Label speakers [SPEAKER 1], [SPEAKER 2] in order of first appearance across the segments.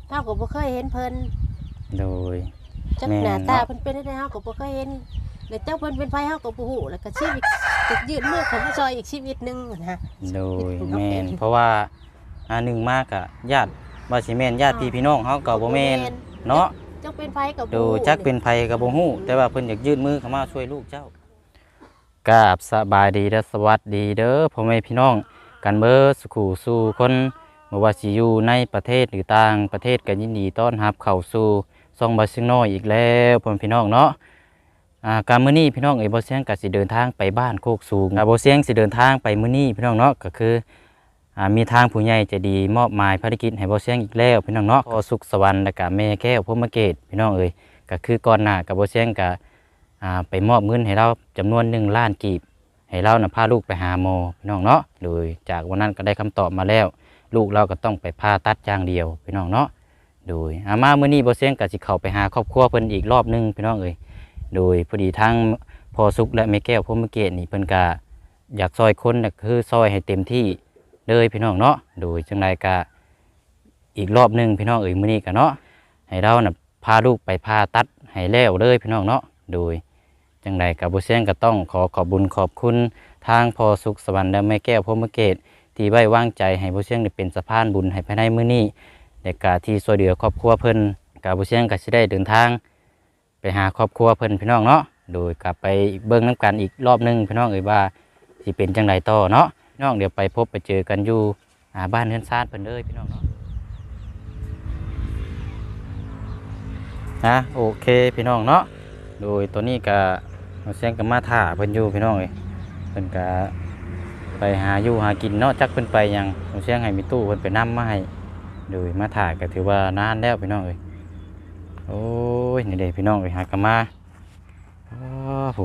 [SPEAKER 1] เฮาก็บ่เคยเห็นเพิ่น
[SPEAKER 2] โดย
[SPEAKER 1] จักหน้าตาเพิ่นเป็นได้เฮาก็บ่เคยเห็นแล้วเจ้าเพิ่นเป็นไผเฮาก็บ่ฮู้แล้วก็ชีวิตจะยืดมือเข้ามาซอยอีกชีวิตนึงนะ
[SPEAKER 2] โดยแม่นเพราะว่าหนึ่งมากอะญาติว่าสิแม่นญาติพี่น้องเฮาก็บ่แม่นเนาะ
[SPEAKER 1] จักเป็นไผก็บ่
[SPEAKER 2] ดู
[SPEAKER 1] ฮู้
[SPEAKER 2] จักเป็นไผก็บ่ฮู้แต่ว่าเพิ่นอยากยื่นมือเข้ามาช่วยลูกเจ้ากราบสบายดีและสวัสดีเด้อพ่อแม่พี่น้องกันเบิดสุขสู่คนบ่ว่าสิอยู่ในประเทศหรือต่างประเทศก็ยินดีต้อนรับเข้าสู่ช่องบ่ซิงน้อยอีกแล้วพ่อแม่พี่น้องเนาะการมื้อนี้พี่น้องบ่เสียงก็สิเดินทางไปบ้านโคกสูงบ่เสียงสิเดินทางไปมื้อนี้พี่น้องเนาะก็คือมีทางผู้ใหญ่ใจดีมอบหมายภารกิจให้บ่เสียงอีกแล้วพี่น้องเนาะพ่อสุขสวรรค์และก็แม่แก้วพรหมเกตพี่น้องก็คือก่อนหน้าก็บ่เสียงก็ไปมอบเงินให้เราจำนวน1 ล้านกีบให้เราพาลูกไปหาหมอพี่น้องเนาะโดยจากวันนั้นก็ได้คำตอบมาแล้วลูกเราก็ต้องไปผ่าตัดอย่างเดียวพี่น้องเนาะโดยมามื้อนี้บ่เสียงก็สิเข้าไปหาครอบครัวเพิ่นอีกรอบนึงพี่น้องโดยพอดีทั้งพ่อสุขและแม่แก้วพรหมเกตนี่เพิ่นก็อยากซอยคนก็คือซอยให้เต็มที่เลยพี่น้องเนาะโดยจังไดก็อีกรอบนึงพี่น้องมื้อนี้ก็เนาะให้เราพาลูกไปผ่าตัดให้แล้วเลยพี่น้องเนาะโดยจังไดกับบ่เสียงก็ต้องขอบบุญขอบคุณทางพ่อสุขสวรรค์และแม่แก้วพรหมเกตที่ไว้วางใจให้บ่เสียงได้เป็นสะพานบุญให้ภายในมื้อนี้และก็ที่ช่วยเหลือครอบครัวเพิ่นก็บ่เสียงก็สิได้เดินทางไปหาครอบครัวเพิ่นพี่น้องเนาะโดยกลับไปเบิ่งน้ำกันอีกรอบนึงพี่น้องว่าสิเป็นจังไดต่อเนาะพี่น้องเดี๋ยวไปพบไปเจอกันอยู่บ้านเฮือนซาดเพิ่นเลยพี่น้องเนาะโอเคพี่น้องเนาะโดยตัวนี้ก็เสียงก็มาถ่าเพิ่นอยู่พี่น้องเพิ่นก็ไปหาอยู่หากินเนาะจักเพิ่นไปยังเสียงให้มีตู้เพิ่นไปนำมาให้โดยมาถ่าก็ถือว่านานแล้วพี่น้องโอ้ยนี่เด้พี่น้องหากมาผู้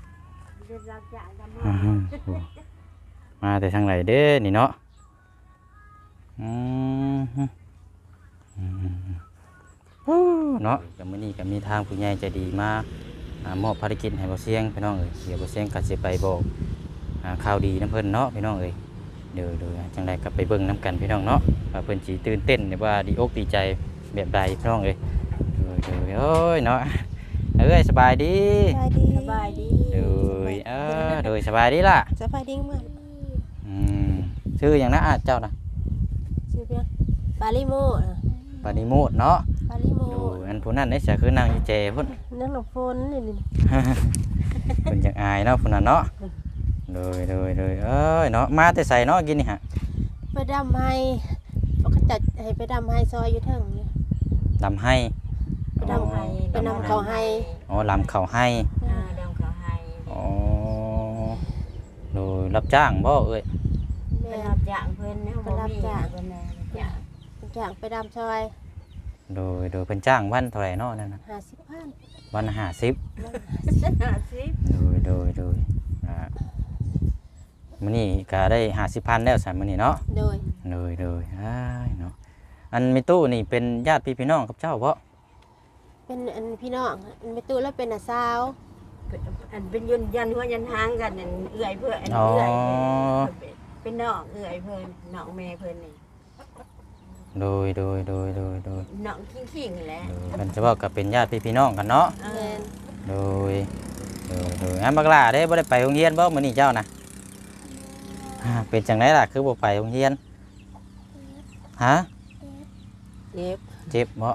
[SPEAKER 2] มาแต่ทางไหนเด้นี่เนาะเนาะกับมื้อนี้ก็มีทางผู้ใหญ่ใจดีมามอบภารกิจให้บ่เสียงพี่น้องเดี๋ยวบ่เสียงก็สิไปบอกข่าวดีน้ำเพิ่นเนาะพี่น้องเดี๋ยวจังได๋ก็ไปเบิ่งน้ำกันพี่น้องเนาะว่าเพิ่นสิตื่นเต้นหรือว่าดีอกดีใจแบบใดพี่น้องโอ้ยเนาะสบายดี
[SPEAKER 1] สบายดี
[SPEAKER 2] โดยสบายดีล่ะ
[SPEAKER 1] สบายดีมาก
[SPEAKER 2] ชื่อหยังนะเจ้าน่ะ
[SPEAKER 1] ชื่อเพียงปาลิโม
[SPEAKER 2] เนาะ
[SPEAKER 1] ปาลิโม
[SPEAKER 2] อันผู้นั้นนี่จะคือนางอยู่เจพุ่น
[SPEAKER 1] นั่งหลบฝนนี่
[SPEAKER 2] เพิ่นจังอายเนาะพุ่นน่ะเนาะโดยเนาะมาแต่ใส่เนาะกินนี่ฮะ
[SPEAKER 1] ไปดำให้เขาจัดให้ไปดำให้ซอยอยู่เทิงนี่
[SPEAKER 2] ดำให้
[SPEAKER 1] ไปดำเขาให้
[SPEAKER 2] ลำเขาให้
[SPEAKER 3] ดำเขาให้
[SPEAKER 2] โดยรับจ้างบ่
[SPEAKER 3] ไปรับจ้างเพิ่นเนาะ
[SPEAKER 1] ไปรับจ้างไปดำซอย
[SPEAKER 2] โดยเพิ่นจ้างวันเท่าไหร่เนาะนั่นน่ะ
[SPEAKER 1] 50,000
[SPEAKER 2] วัน50โดยมื้อนี้ก็ได้50,000แล้วซั่นมื้อนี้เนาะโดยเนาะอันมีตู้นี่เป็นญาติพี่น้องกับเจ้าบ่
[SPEAKER 1] เป็นอันพี่น้องมีตู้แล้วเป็นน้าสาว
[SPEAKER 3] อันเป็นยันหัวยันหางกันนั่นเอื้อยเพิ่นอันเอื้อยเป็นน้องเอื้อยเพิ่นน้องแม่เพิ่นนี่
[SPEAKER 2] โดย
[SPEAKER 3] น้องขิงๆแหละ
[SPEAKER 2] มันจะว่ากับเป็นญาติพี่น้องกันเนาะโดยบักหล่าได้บ่ได้ไปโรงเรียนบ่มื้อนี้เจ้านะเป็นจังไดล่ะคือบ่ไปโรงเรียนฮะเจ็บบ่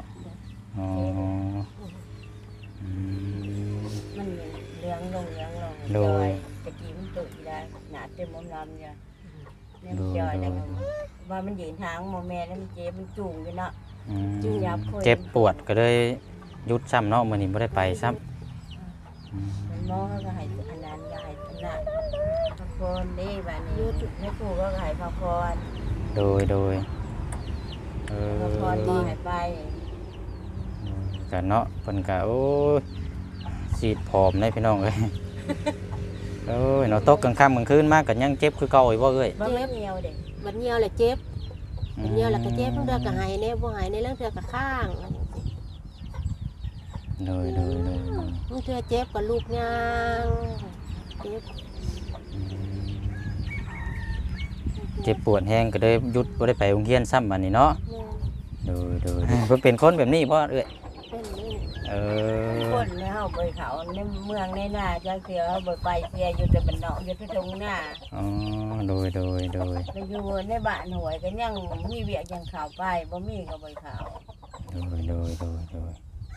[SPEAKER 3] มันเลี้ยงลง
[SPEAKER 2] โดย
[SPEAKER 3] ตะกี้มันตุ่ยได้หนาเต็มมอมลำจ้ะเนี่ยจอยแล้วว่ามันยืนทางโมแม่แล้วมันเจ็บมันจุ่งอยู่เนาะจุ่งยับ
[SPEAKER 2] เจ็บปวดก็เลยหยุดซ้ำเนาะมื้อนี้บ่ได้ไปซ้ำ
[SPEAKER 3] มันมอก็ให้อันนั้นก็ให้อันนั้นพักผ่อนนี่บัดนี้ให้ครูก็ให้พักผ่อน
[SPEAKER 2] โดย
[SPEAKER 3] พักผ่อนบ่ให้ไป
[SPEAKER 2] กันเนาะเพิ่นก็โอ้ยสีดผอมได้พี่น้องเอ้ยเนาะตกกลางค่ำกลางคืนมาก็ยังเจ็บคือเก่าอีกบ่เอ้ย
[SPEAKER 3] บ่เหี่ยวเด้
[SPEAKER 1] บัดเหี่ยวแหละเจ็บบัดเหี่ยวแล้วก็เจ็บเรื่องก็หายแน่บ่หายในเรื่องเทื่อก็ข้าง
[SPEAKER 2] โดย
[SPEAKER 1] มันเทื่อเจ็บก็ลูกย่าง
[SPEAKER 2] เจ็บปวดแห้งก็เลยหยุดบ่ได้ไปโรงเรียนซ้ำบัดนี้เนาะโดยเพิ่นเป็นคนแบบนี้บ่เอ้ย
[SPEAKER 1] เป็นนี่
[SPEAKER 2] เออ
[SPEAKER 3] คนในเฮาไปเขาในเมืองในหน้าจักเสือบ่ไปเสียอยู่แต่บ้านนอกอยู่ที่ตรงหน้า
[SPEAKER 2] อ๋อโดย
[SPEAKER 3] ไปอยู่ในบ้านหวยก็ยังมีเวียกยังเข้าไปบ่มีก็บ่เข้า
[SPEAKER 2] โดย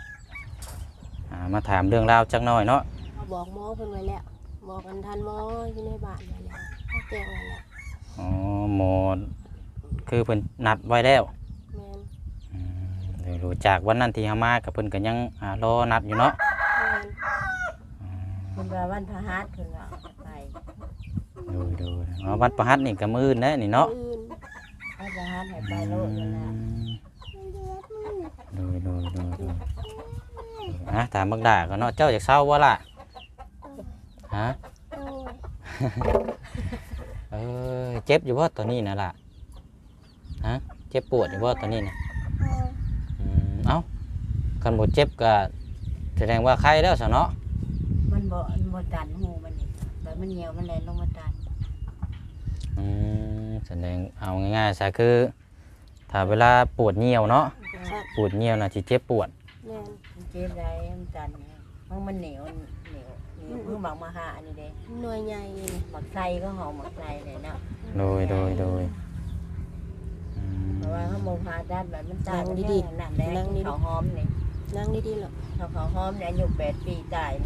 [SPEAKER 2] มาถามเรื่องราวจักหน่อยเนาะ
[SPEAKER 1] บอกหมอเพิ่นไว้แล้วบอกกันทันหมออยู่ในบ้านไว้แล้วเขาแจ้งไว้แล้ว
[SPEAKER 2] อ๋อหมอคือเพิ่นนัดไว้แล้ว
[SPEAKER 1] แม่น
[SPEAKER 2] เดี๋ยวรู้จากวันนั้นที่เฮามากับเพิ่นก็ยังรอนัดอยู่เนาะ
[SPEAKER 1] แม่น
[SPEAKER 3] เพิ่นว่าวันพฤหัสเพิ่นว่าไป
[SPEAKER 2] โดยอ๋อวัดประหัตนี่ก็มื้อนะนี่เนาะ
[SPEAKER 1] อื่น
[SPEAKER 3] วันพฤหัสให้ไปโลดนั่นน่ะ
[SPEAKER 2] โดยถามบักดาก็เนาะเจ้าอยากเศร้าบ่ล่ะฮะ
[SPEAKER 1] โอ้ย
[SPEAKER 2] เจ็บอยู่บ่ตอนนี้น่ะล่ะฮะเจ็บปวดอยู่บ่ตอนนี้น่ะเอ้าคันบ่เจ็บก็แสดงว่าไข้แล้วซะเนาะ
[SPEAKER 3] มันบ่ตันหูมันนี่แบบมันเหี่ยวมันแล่นลงมาตัน
[SPEAKER 2] แสดงเอาง่ายๆซะคือถ้าเวลาปวดเหี่ยวเนาะ
[SPEAKER 1] ชัด
[SPEAKER 2] ปวดเหี่ยวน่ะสิเจ็บปวด
[SPEAKER 1] แม่น
[SPEAKER 3] มันเจ็บได้มันตันเนี่ยมันเหนียวคือหมักมาหานี่เด้
[SPEAKER 1] หน่วยใหญ่นี่
[SPEAKER 3] หมักไส้ก็หอมหมักไส้เลยเนาะ
[SPEAKER 2] โดย
[SPEAKER 3] เพราะว่าเขามองพาด้านแบบมันตายมันแห้งหนักแดงเขาหอมนี่
[SPEAKER 1] นั่งดีๆหรอก
[SPEAKER 3] เขาหอมเนี่ยอายุ8 ปีตาย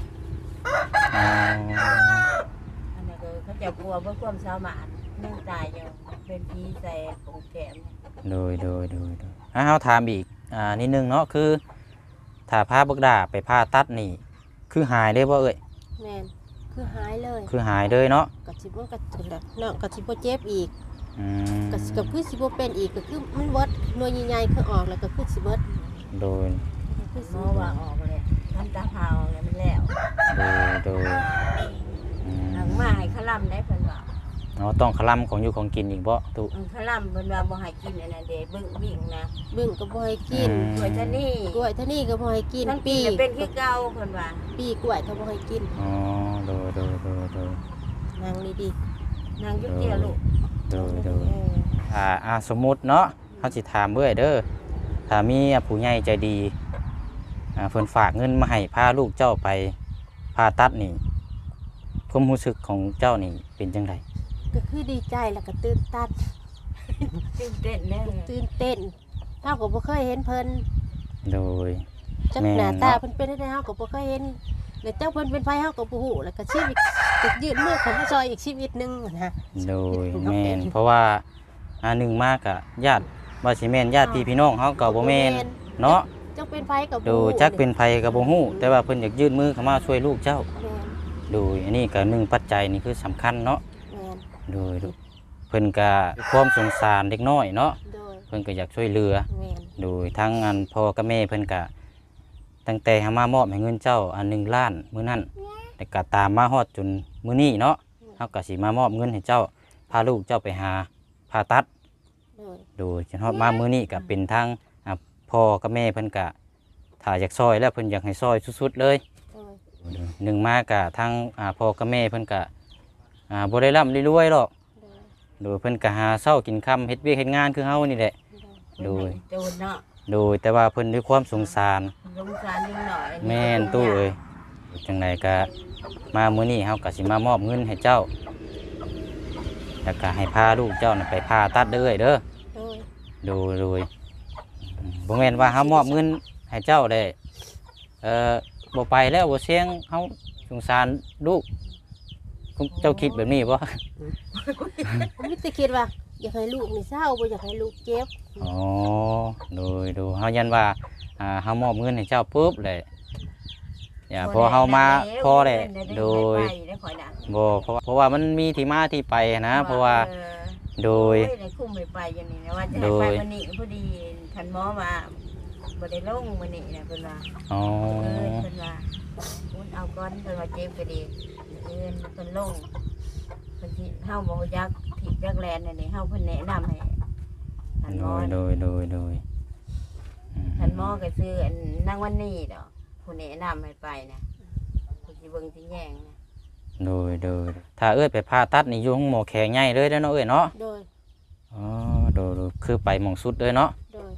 [SPEAKER 3] อันนี้ก็เขาจะกลัวเพื่อความสามารถยังตายอยู่เป็นผีใส่ปงแขม
[SPEAKER 2] โดยเฮาถามอีกนิดนึงเนาะคือถ้าพาบักดาไปผ่าตัดนี่คือหายได้บ่เอ่ย
[SPEAKER 1] แม่นคือหายเลย
[SPEAKER 2] คือหายเลยเนาะ
[SPEAKER 1] ก็สิบ่ก็ถึงแล้วเนาะก็สิบ่เจ็บอีก
[SPEAKER 2] อืม
[SPEAKER 1] ก็คือสิบ่เป็นอีกก็คือมันเบิดหน่วยใหญ่ๆคือออกแล้วก็คือสิเบิด
[SPEAKER 2] โดย
[SPEAKER 1] คือ
[SPEAKER 3] หม
[SPEAKER 1] สิ
[SPEAKER 3] อว่าออกเลยทำตาเผาเลยมันแล้ว
[SPEAKER 2] โดยอืม
[SPEAKER 3] หลังมาให้ขลำได้เพิ่นว่า
[SPEAKER 2] เนาะต้องคลำของอยู่ของกินอีกบ่ตุ
[SPEAKER 3] ขลำเพิ่นว่าบ่ให้กินอันนั้นเด้เบิ่งบิ่งนะ
[SPEAKER 1] บึ้งก็บ่ให้กิน
[SPEAKER 3] กล้วยทะนี่
[SPEAKER 1] กล้วยเท่านี้ก็บ่ให้กิน
[SPEAKER 3] ทั้งปี
[SPEAKER 1] ปี
[SPEAKER 3] จะเป็นคือเก่าเพิ่นว่า
[SPEAKER 1] ปีกล้วยก็บ่ให้กิน
[SPEAKER 2] อ๋อโดย
[SPEAKER 1] นั่งดี
[SPEAKER 3] นางยุกเดียวลูก
[SPEAKER 1] ๆเออ
[SPEAKER 2] สมมุติเนาะเฮาสิถามเบิ่เด้อถ้ามีผู้ใหญ่ใจดีเพิ่นฝากเงินมาให้พาลูกเจ้าไปผ่าตัดนี่ความรู้สึกของเจ้านี่เป็นจังได
[SPEAKER 1] ก็คือดีใจแล้วก็ตื่นตัน
[SPEAKER 3] ตื่นเต้นแน่
[SPEAKER 1] ตื่นเต้นเฮาก็บ่เคยเห็นเพิ่น
[SPEAKER 2] โดย
[SPEAKER 1] จักหน้าตาเพิ่นเป็นได้เฮาก็บ่เคยเห็นแล้วเจ้าเพิ่นเป็นไผเฮาก็บ่ฮู้แล้วก็ชีวิตติดยืดมือของผู้ซอยอีกชีวิตหนึงนะ
[SPEAKER 2] โดยแม่นเพราะว่าหนึ่งมากอะญาติว่าสิแม่นญาติพี่น้องเฮาก็บ่แม่นเนาะ
[SPEAKER 1] จักเป็นไผก็บ่
[SPEAKER 2] โดยจักเป็นไผก็บ่ฮู้แต่ว่าเพิ่นอยากยื่นมือเข้ามาช่วยลูกเจ้า
[SPEAKER 1] แม่น
[SPEAKER 2] โดยอันนี้ก็หนึ่งปัจจัยนี่คือสำคัญเนาะ
[SPEAKER 1] แม่น
[SPEAKER 2] โดยเพิ่นก็ความสงสารเด็กน้อยเนาะ
[SPEAKER 1] โดย
[SPEAKER 2] เพิ่นก็อยากช่วยเหลือ
[SPEAKER 1] แม่น
[SPEAKER 2] โดยทั้งพ่อกับแม่เพิ่นก็ตั้งแต่หามามอบให้เงินเจ้า1 ล้านมื้อนั้นแต่ก็ตามมาฮอดจนมื้อนี้เนาะเฮาก็สิมามอบเงินให้เจ้าพาลูกเจ้าไปหาผ่าตัด
[SPEAKER 1] โดย
[SPEAKER 2] โดยจนฮอดมามื้อนี้ก็เป็นทางพ่อกับแม่เพิ่นก็ถ้าอยากซอยแล้วเพิ่นอยากให้ซอยสุดๆเลย
[SPEAKER 1] โดย
[SPEAKER 2] หนึ่งมาก็ทางพ่อกับแม่เพิ่นก็บ่ได้ร่ำรวยหรอก
[SPEAKER 1] โดย
[SPEAKER 2] โดยเพิ่นก็หาเช้ากินค่ำเฮ็ดเวียกเฮ็ดงานคือเฮานี่แหละ
[SPEAKER 1] โดย
[SPEAKER 3] โดนเนาะ
[SPEAKER 2] โดยแต่ว่าเพิ่นด้วยความสงสาร
[SPEAKER 3] สงสารนิดหน่อย
[SPEAKER 2] แม่นตู้เอ้ยจังไดก็มามื้อนี้เฮาก็สิมามอบเงินให้เจ้าแล้วก็ให้พาลูกเจ้าน่ะไปผ่าตัดเด้อเด้อ
[SPEAKER 1] โดย
[SPEAKER 2] โดยบ่แม่นว่าเฮามอบเงินให้เจ้าได้บ่ไปแล้วบ่เสียงเฮาสงสารลูกคุณเจ้าคิดแบบนี้บ่
[SPEAKER 1] ผมมีแต่คิดว่าอยากให้ลูกนี่เศร้าบ่อยากให้ลูกเจ็บ
[SPEAKER 2] อ๋อโดยเฮายันว่าเฮามอบเงินให้เจ้าปุ๊บเลยอย่าพอเฮามาพอเลยโดยบ่เพราะว่ามันมีที่มาที่ไปนะเพราะว่าโดย
[SPEAKER 3] ในคุ้มไปไปอย่างนี้นะว่าจะให้ไปวันนี้พอดีท่านหมอมาบ่ได้ลงวันนี้นะเพิ่นว่า
[SPEAKER 2] อ๋อ
[SPEAKER 3] เพิ่นว่าคุณเอาก้อนเพิ่นว่าเจ็บก็ดีเพิ่นลงเพิ่นที่เฮาบ่ยักผิดยักแลนนี่เฮาเพิ่นแนะนำให้ท่านหมอ
[SPEAKER 2] โดย
[SPEAKER 3] ท่านหมอก็ซื้ออันนางวันนี้ดอกผู้แนะนำให้ไปนะเพิ่นสิเบิ่งสิแยงนะ
[SPEAKER 2] โดยถ้าเอ้ยไปผ่าตัดนี่อยู่ห้องหมอแข็งใหญ่เลยเด้อเนาะเอ้ยเนาะ
[SPEAKER 1] โดย
[SPEAKER 2] อ๋อโดยคือไปหม่องสุดเลยเนาะ
[SPEAKER 1] โดย
[SPEAKER 2] โ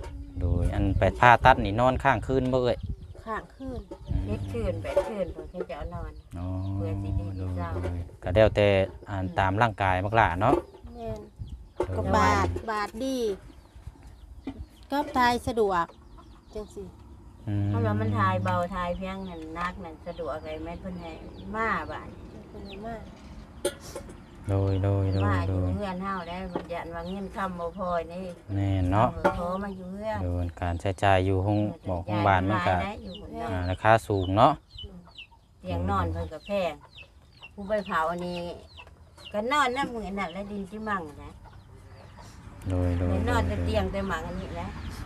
[SPEAKER 2] โดยอันไปผ่าตัดนี่นอนข้างคืนบ่เอ้ย
[SPEAKER 1] ข้างคืน
[SPEAKER 3] เล็ดคืน8คืนเพิ่นจะเอานอน
[SPEAKER 2] อ๋อ
[SPEAKER 3] เพื่อสิได้เช้า
[SPEAKER 2] โดยก็แล้วแต่อ่านตามร่างกายบักหล่าเนาะ
[SPEAKER 1] แม่น
[SPEAKER 2] โดย
[SPEAKER 1] ก็บาทดีก็ทายสะดวกจังซี่
[SPEAKER 3] เพราะว่ามันทายเบาทายเพียงนั่นนักนั่นสะดวกอะไรแม่เพิ่นให้มาบ้าน
[SPEAKER 1] เป็นไงมาก
[SPEAKER 2] โดย
[SPEAKER 3] มาอยู่เฮือนเฮาได้บ่ยันว่าเงินคำบ่พอนี่
[SPEAKER 2] แน่เนาะ
[SPEAKER 3] ขอมาอยู่เฮือน
[SPEAKER 2] โดยการใช้จ่ายอยู่ห้องบอกห้องบ้านมันก็
[SPEAKER 3] ได้อยู่คนเดียว
[SPEAKER 2] ราคาสูงเนาะ
[SPEAKER 3] เตียงนอนเพิ่นก็แพงผู้ไปเผาอันนี้ก็นอนน้ำมือนั่นและดินที่มั่งนะ
[SPEAKER 2] โดย
[SPEAKER 3] ไม่นอนแต่เตียงแต่หมังอันนี้แหละ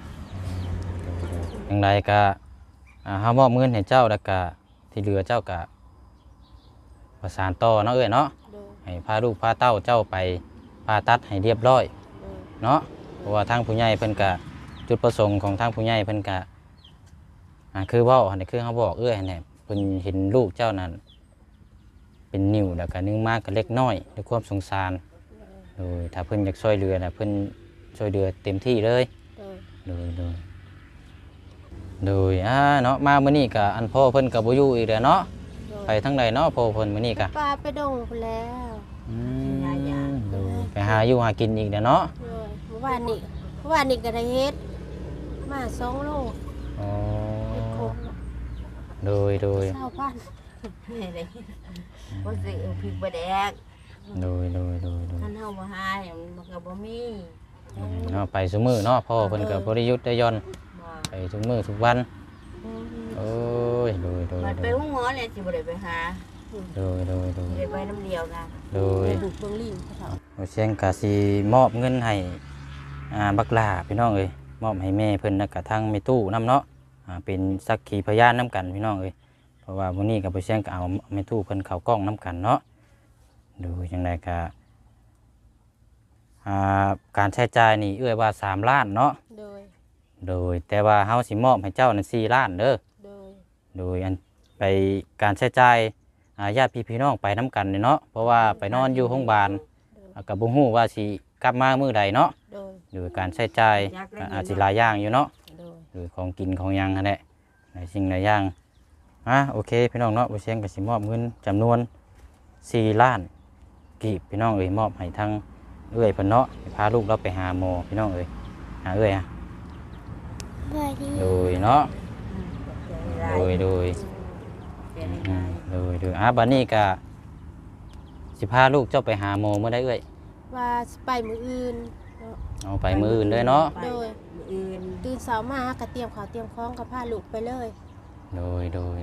[SPEAKER 2] อย่างไรก็เฮามอบเงินให้เจ้าแล้วก็ที่เหลือเจ้าก็ประสานต่อเนาะเอ้ยเนาะ
[SPEAKER 1] โดย
[SPEAKER 2] ให้พาลูกพาเต้าเจ้าไปผ่าตัดให้เรียบร้อย
[SPEAKER 1] โดย
[SPEAKER 2] เนาะเพราะว่าทางผู้ใหญ่เพิ่นก็จุดประสงค์ของทางผู้ใหญ่เพิ่นก็คือเว้าหั่นน่ะคือเฮาบอกเอ้ยหั่นแหละเพิ่นเห็นลูกเจ้านั้นเป็นนิ่วแล้วก็นึงมากก็เล็กน้อยด้วยความสงสารโดยถ้าเพิ่นอยากช่วยเหลือน่ะเพิ่นช่วยเหลือเต็มที่เลย
[SPEAKER 1] โดย
[SPEAKER 2] โดยเนาะมามื้อนี้ก็อันพ่อเพิ่นก็บ่อยู่อีกแล้วเนาะ
[SPEAKER 1] โดย
[SPEAKER 2] ไปทางใดเนาะพ่อเพิ่นมื้อนี้ก็
[SPEAKER 1] ปลาไปดงพุ่นแล้ว
[SPEAKER 2] โดยไปหาอยู่หากินอีกแล้วเนาะ
[SPEAKER 1] โดยเมื่อวานนี้ก็ได้เฮ็ดมา2 โล
[SPEAKER 2] อ๋อ
[SPEAKER 1] เฮ็ดครบ
[SPEAKER 2] โดย
[SPEAKER 1] 20,000
[SPEAKER 3] นี่เลยบ่ซื้อพริกบ่แดก
[SPEAKER 2] โดย
[SPEAKER 3] ท่านเฮาบ่หามันก็บ่มี
[SPEAKER 2] เนาะไปซุมื้อเนาะพ่อเพิ่นก็บ่ได้หยุดได้หย่อน
[SPEAKER 3] บ่
[SPEAKER 2] ไปทุกมื้อทุกวันโอ้ยโดย
[SPEAKER 3] มันไปหุ้งหมอเลยสิบ่ได้ไปหา
[SPEAKER 2] โดย
[SPEAKER 3] สิได้ไปน้ำเดียวกัน
[SPEAKER 2] โดย
[SPEAKER 1] ไปบุกเบิ่งลิงเขา
[SPEAKER 2] โอเชียงก็สิมอบเงินให้บักหลาพี่น้องเอ้ยมอบให้แม่เพิ่นแล้วก็ทางแม่ตู้นํเนาะเป็นสักขีพยานนํกันพี่น้องเอ้ยเพราะว่ามื้อนี้ก็บ่เชียงก็เอาแม่ตู้เพิ่นเข้ากล้องนํกันเนาะดูจังไดก็การใช้จ่ายนี่เอื้อยว่า3 ล้านเนาะ
[SPEAKER 1] โดย
[SPEAKER 2] โดยแต่ว่าเฮาสิมอบให้เจ้านั่น4 ล้านเด้อ
[SPEAKER 1] โดย
[SPEAKER 2] โดยอันไปการใช้จ่ายญาติพี่น้องไปน้ำกันเนาะเพราะว่าไปนอนอยู่โรงพยาบาลกับบุ้งหูว่าสิกลับมามื้อใดเนาะ
[SPEAKER 1] โดย
[SPEAKER 2] โดยการใช้จ่ายอาจสิหลายอย่างอยู่เนาะ
[SPEAKER 1] โดย
[SPEAKER 2] โดยของกินของหยังนั่นแหละหลายสิ่งหลายอย่างโอเคพี่น้องเนาะบ่เสียงก็สิมอบเงินจำนวน4 ล้านกีบพี่น้องเอ้ยมอบให้ทางเอ้อยเพิ่นเนาะให้พาลูกเราไปหาหมอพี่น้องเอ้ยหาเอ้อยโดยเนาะโดยโดยบัดนี้ก็สิพาลูกเจ้าไปหาหมอเมื่อใดเอ้ย
[SPEAKER 1] ว่าสิไปมื้ออื่นเนาะ
[SPEAKER 2] เอาไปมื้ออื่นเลยเนาะ
[SPEAKER 1] โดย
[SPEAKER 3] อื่น
[SPEAKER 1] ตื่นเช้ามาก็เตรียมข้าวเตรียมของก็พาลูกไปเลย
[SPEAKER 2] โดย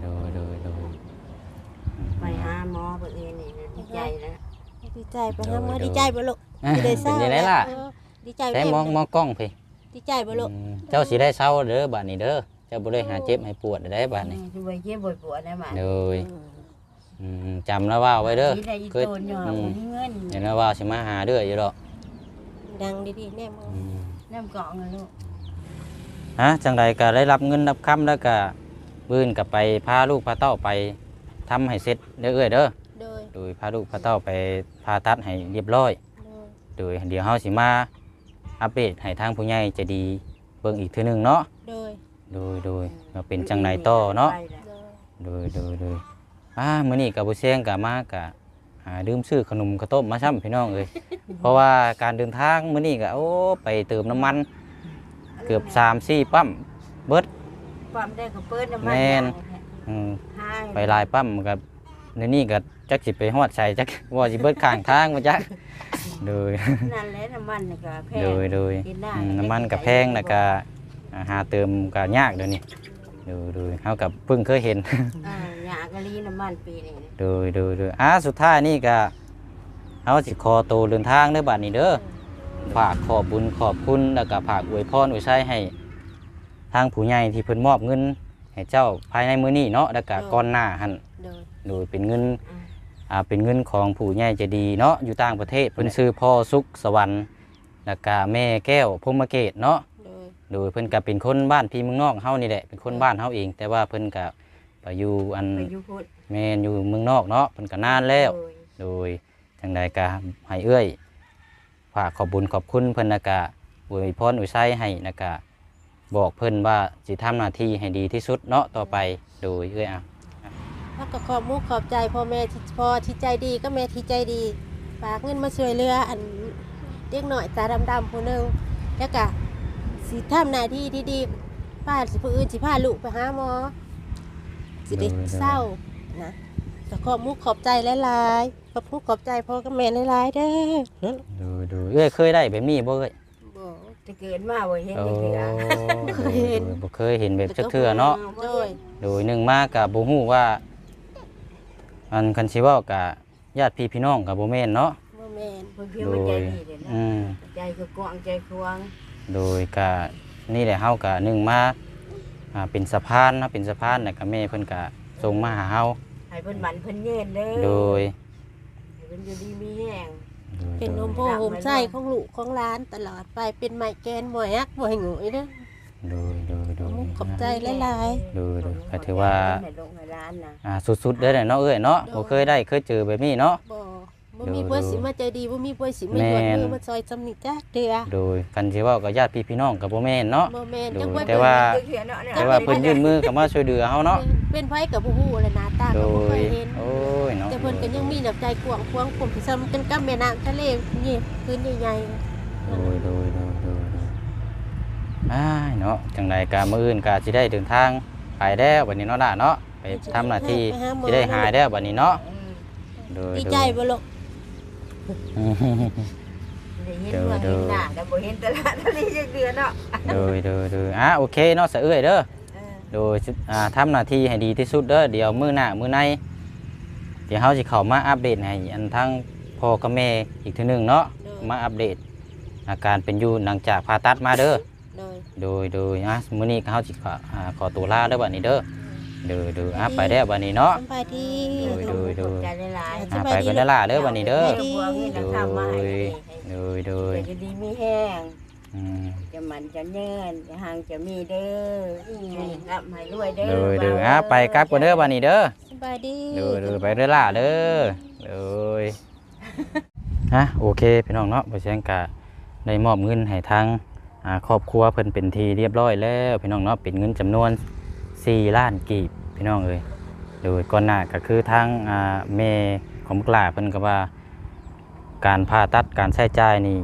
[SPEAKER 3] ไปหาหมอเพิ่นเองนี่ดีใจนะ
[SPEAKER 1] ดีใจไปหาหมอดีใจบ่ลูกสิได้เศร้า
[SPEAKER 2] เป็นยังไงล่ะ
[SPEAKER 1] ดีใจ
[SPEAKER 2] ใช้มองกล้องพี่
[SPEAKER 1] ดีใจบ่ลูก
[SPEAKER 2] เจ้าสิได้เศร้าเด้อบัดนี้เด้อเจ้าบ่ได้หาเจ็บให้ปวดได้บัดนี้
[SPEAKER 3] ช่วยเจ็บปวดได้มา
[SPEAKER 2] โดยจำแล้วว่าไว้เด้อ
[SPEAKER 3] เคยเงิน
[SPEAKER 2] เห็นแล้วว่าสิมาหาเด้ออยู่ดอก
[SPEAKER 1] ดังดีๆแน่มึง
[SPEAKER 3] น้ำเกาะเงินลูก
[SPEAKER 2] จังใดก็ได้รับเงินรับคำแล้วก็บื้นกับไปพาลูกพาเต้าไปทำให้เสร็จเด้อเอ้ยเด้อ
[SPEAKER 1] โดย
[SPEAKER 2] โดยพาลูกพาเต้าไปผ่าตัดให้เรียบร้อย
[SPEAKER 1] โดย
[SPEAKER 2] โดยเดี๋ยวเฮาสิมาอัปเดตให้ทางผู้ใหญ่ใจะดีเบิ่งอีกเทื่อนึงเนาะ
[SPEAKER 1] โดย
[SPEAKER 2] โดยว่าเป็นจังไดต่อเนาะ
[SPEAKER 1] โดย
[SPEAKER 2] โดยมื้อนี้ก็บ่เสียงก็มาก็ดื่มซื้อขนมข้าวต้มมาซ้ำพี่น้องเอ้ย เพราะว่าการเดินทางมื้อนี้ก็ไปเติมน้ำมันเกือบ 3-4 ปั๊มเบิด
[SPEAKER 3] ปั๊มได้ก็เปิดน้ำมัน
[SPEAKER 2] แม่น ไปหลายปั๊มก็ในนี้ก็จักสิไปฮอดใส่จักว่าสิเบิดข้างทางมาจักโดย
[SPEAKER 3] นั่นแหละน้ำมันก็แพง
[SPEAKER 2] โดยน้ำมันก็แพงแล้วก็หาเติมก็ยากเดี๋ยวนี้โดยเฮากับเพิ่งเคยเห็น
[SPEAKER 3] หยากะลีน้ำมันปีนี้
[SPEAKER 2] โดยสุดท้ายนี่ก็เฮาสิขอตัวเดินทางเด้อบัดนี้เด้อฝากขอบบุญขอบคุณแล้วก็ฝากอวยพรอวยชัยให้ทางผู้ใหญ่ที่เพิ่นมอบเงินให้เจ้าภายในมื้อนี้เนาะแล้วก็ก่อนหน้าหั่น
[SPEAKER 1] โดย
[SPEAKER 2] โดยเป็นเงินเป็นเงินของผู้ใหญ่ใจดีเนาะอยู่ต่างประเทศเพิ่นชื่อพ่อสุขสวรรค์แล้วก็แม่แก้วพรหมเกตเนาะ
[SPEAKER 1] โดย
[SPEAKER 2] เพิ่นก็เป็นคนบ้านพี่เมืองนอกเฮานี่แหละเป็นคนบ้านเฮาเอง แต่ว่าเพิ่นก็ไปอยู่
[SPEAKER 3] ไปอยู่พุทธ
[SPEAKER 2] แม่นอยู่เมืองนอกเนาะเพิ่นก็นานแล้วโดยจังใดก็ให้เอื้อยฝากขอบบุญขอบคุณเพิ่นแล้วก็อวยพรอวยชัยให้แล้วก็บบอกเพิ่นว่าสิทำหน้าที่ให้ดีที่สุดเนาะต่อไปโดยเอ้ยอ่ะ
[SPEAKER 1] แล้วก็ขอบมุกขอบใจพ่อแม่ที่พ่อที่ใจดีก็แม่ที่ใจดีฝากเงินมาช่วยเหลืออันเด็กหน่อยตาดำๆผู้หนึงแล้วก็สิทำหน้าที่ที่ดีพาสิผู้อื่นสิพาลูกไปหาหมอสิได้เศร้านะก็ขอบมุกขอบใจหลายๆขอบมุกขอบใจพ่อกับแม่หลายๆเด้อ
[SPEAKER 2] ดูเอ้ยเคยได้แบบนี้บ่เอ้ย
[SPEAKER 1] บ่
[SPEAKER 3] จะเกิดมาบ่เห็น
[SPEAKER 2] โอ้
[SPEAKER 3] จักเทื่อ
[SPEAKER 1] เคยเห็น
[SPEAKER 2] บ่เคยเห็นแบบจักเทื่อเนาะ
[SPEAKER 1] โดย
[SPEAKER 2] โดยหนึ่งมากับบ่ฮู้ว่าอันคันสิเว้ากับญาติพี่น้องกับบ่แม่นเนาะ
[SPEAKER 1] บ่แม่น
[SPEAKER 3] เพิ่นเพียงมันใจดีเด้นะ
[SPEAKER 2] อืม
[SPEAKER 3] ใจคือกว้างใจควง
[SPEAKER 2] โดยก็นี่แหละเฮาก็หนึ่งมาเป็นสะพานเนาะเป็นสะพานแล้วก็แม่เพิ่นก็ส่งมาหาเฮา
[SPEAKER 3] ให้เพิ่นหมันเพิ่นเย็นเด้อ
[SPEAKER 2] โดย
[SPEAKER 3] ให้เพิ่นอยู่ดีมีแรง
[SPEAKER 1] เป็นนมโพโฮมไส้ของลูกของร้านตลอดไปเป็นไม้แกนหมวยยักหมวยหงอยเด้อ
[SPEAKER 2] โดย
[SPEAKER 1] ขอบใจหลาย
[SPEAKER 2] โดยก็ถือว่า
[SPEAKER 3] ให้ลงให้ร้านน่ะ
[SPEAKER 2] สุดๆเด้อเนาะเอ้ยเนาะบ่เคยได้เคยเจอแบบนี้เนาะ
[SPEAKER 1] บ่มีผู้สิมาใจดีบ่มีผู้สิมาหยวนมือมาซอยจำนิจักเดือ
[SPEAKER 2] โดยคันสิเว้ากับญาติพี่น้องกับบ่แม่นเนาะ
[SPEAKER 1] บ่แม่น
[SPEAKER 2] โด
[SPEAKER 1] จัง
[SPEAKER 2] ย
[SPEAKER 1] ว่า
[SPEAKER 2] แต่ว่า
[SPEAKER 3] เทื่อเนาะ
[SPEAKER 2] แต่ว่าเพิ่นยื่นมือเข้ามาช่วยเหลือเฮาเนาะ
[SPEAKER 1] เป็นไผกับบ่ฮู้เลยหน้าตา
[SPEAKER 2] โด
[SPEAKER 1] ก็บ่เค
[SPEAKER 2] ย
[SPEAKER 1] ยเห็น
[SPEAKER 2] โอ้ยเนาะ
[SPEAKER 1] แต่เพิ่นก็ยังมีน้ำใจกว้างขวางผมที่ซ้ำกันกับแม่น้ำทะเลนี่พื้นใหญ่
[SPEAKER 2] โดยอ้ายเนาะจังใดก็มื้ออื่นก็สิได้เดินทางไปแล้วบัดนี้เนาะล่ะเนาะไปทำหน้าที่สิได้หายแล้วบัดนี้เนาะโดย
[SPEAKER 1] ดีใจบ่ลูก
[SPEAKER 3] ได้เห็นเมืองเห็นหน้าแต่บ่เห็นตลาดทะเลจักเดือนเนาะ
[SPEAKER 2] โดยโอเคเนาะสะเอื้อยเด้อ
[SPEAKER 3] เออ
[SPEAKER 2] โดยทำหน้าที่ให้ดีที่สุดเด้อเดี๋ยวมื้อหน้ามื้อในเดี๋ยวเฮาสิเข้ามาอัปเดตให้อันทั้งพ่อกับแม่อีกเทื่อนึงเนาะมาอัปเดตอาการเป็นอยู่หลังจากผ่าตัดมาเด้อ โดยมื้อนี้เขาสิขอตัวลาเด้อบัดนี้เด้อโดยไปได้อบัดนี้เนาะ
[SPEAKER 1] สบายดี
[SPEAKER 2] โดย
[SPEAKER 3] ขอบใจหลายๆ
[SPEAKER 2] ไปกันได้อล่ะเด้อบัดนี้เด้อ
[SPEAKER 3] ให้พวกนี้นะทำมาให้ดีให้
[SPEAKER 2] โดย
[SPEAKER 3] จะดีมีแห้ง
[SPEAKER 2] อืม
[SPEAKER 3] จะมันจะเนินจะห่างจะมีเด้อรับให้รวยเด้อ
[SPEAKER 2] โดยไปกลับกันเด้อบัดนี้เด้อ
[SPEAKER 1] สบายดี
[SPEAKER 2] โดยไปเด้อล่ะเด้อโดยโอเคพี่น้องเนาะบ่เสียงกะได้มอบเงินให้ทางครอบครัวเพิ่นเป็นทีเรียบร้อยแล้วพี่น้องเนาะเป็นเงินจำนวน4 ล้านกีบพี่น้องเอ้ยโดยก่อนหน้าก็คือทางแม่ของบุกหลาเพิ่นก็ว่าการผ่าตัดการใช้จ่ายนี่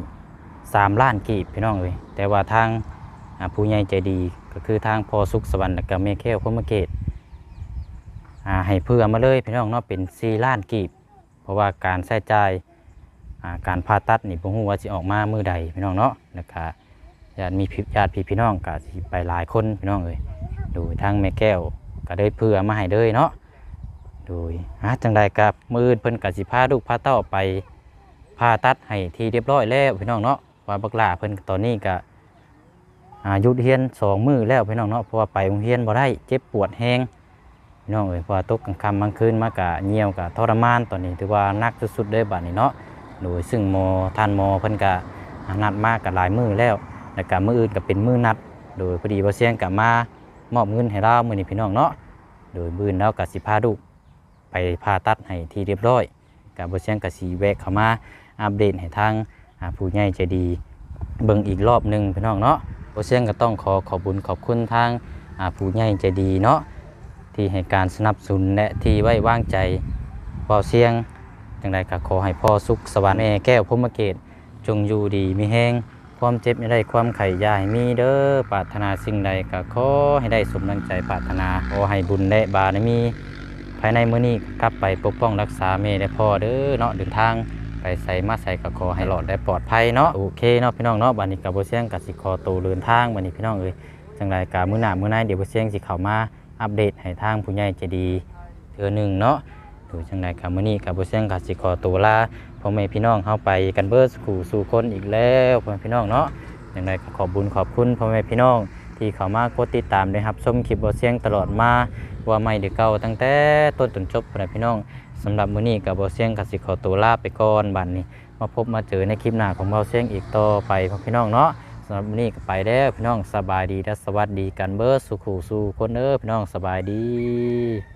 [SPEAKER 2] 3 ล้านกีบพี่น้องเอ้ยแต่ว่าทางผู้ใหญ่ใจดีก็คือทางพ่อสุขสวรรค์และก็แม่แก้วพรหมเกตให้เพื่อมาเลยพี่น้องเนาะเป็น4 ล้านกีบเพราะว่าการใช้จ่ายการผ่าตัดนี่บ่ฮู้ว่าสิออกมามื้อใดพี่น้องเนาะแล้วก็ญาติพี่น้องก็สิไปหลายคนพี่น้องเอ้ยโดยทางแม่แก้วก็ได้เพื่อมาให้เลยเนาะโดยจังใดกับมื้ออื่นเพิ่นก็สิพาลูกพาเต้าไปผ่าตัดให้ที่เรียบร้อยแล้วพี่น้องเนาะว่าบักหลาเพิ่นตอนนี้ก็หยุดเรียน2 มื้อแล้วพี่น้องเนาะเพราะว่าไปโรงเรียนบ่ได้เจ็บปวดแฮงพี่น้องเอ้ยเพราะว่าตกกลางค่ำกลางคืนมากะเหี่ยวกะทรมานตอนนี้ถือว่าหนักสุดๆเลยบัดนี้เนาะโดยซึ่งท่านหมอเพิ่นก็นัดมากกับหลายมื้อแล้วแล้วก็มื้ออื่นก็เป็นมื้อนัดโดยพอดีบ่เสียงก็มามอบเงินให้เรามื้อนี้พี่น้องเนาะโดยมื้อแล้วก็สิพาลูกไปผ่าตัดให้ที่เรียบร้อยก็บ่เสียงก็สิแวะเข้ามาอัปเดตให้ทางผู้ใหญ่ใจดีเบิ่งอีกรอบนึงพี่น้องเนาะบ่เสียงก็ต้องขอบคุญขอบคุณทางผู้ใหญ่ใจดีเนาะที่ให้การสนับสนุนและที่ไว้วางใจบ่เสียงจังใดก็ขอให้พ่อสุขสวรรค์แม่แก้วพรหมเกตจงอยู่ดีมีแฮงความเจ็บไม่ได้ความไข่ยาให้มีเด้อปรารถนาสิ่งใดก็ขอให้ได้สมดังใจปรารถนาขอให้บุญและบารมีภายในมื้อนี้กลับไปปกป้องรักษาแม่และพ่อเด้อเนาะเดินทางไปใส่มาใส่ก็ขอให้รอดและปลอดภัยเนาะโอเคเนาะพี่น้องเนาะบัดนี้ก็บ่เสียงก็สิขอตัวเดินทางบัดนี้พี่น้องเอ้ยจังใดก็มื้อหน้ามื้อในเดี๋ยวบ่เสียงสิเข้ามาอัปเดตให้ทางผู้ใหญ่ใจดีเทื่อนึงเนาะโดยจังใดก็มื้อนี้ก็บ่เสียงก็สิขอตัวลาพ่อแม่พี่น้องเฮาไปกันเบิดสู่คนอีกแล้วพ่อแม่พี่น้องเนาะอย่างไรก็ขอบคุญขอบคุณพ่อแม่พี่น้องที่เข้ามากดติดตามได้ครับชมคลิปบ่เสียงตลอดมาว่าใหม่หรือเก่าตั้งแต่ต้นจนจบพ่อแม่พี่น้องสำหรับมื้อนี้ก็บ่เสียงก็สิขอตัวลาไปก่อนบัดนี้มาพบมาเจอในคลิปหน้าของบ่เสียงอีกต่อไปพ่อพี่น้องเนาะสำหรับมื้อนี้ก็ไปแล้วพี่น้องสบายดีและสวัสดีกันเบิดสู่คนพี่น้องสบายดี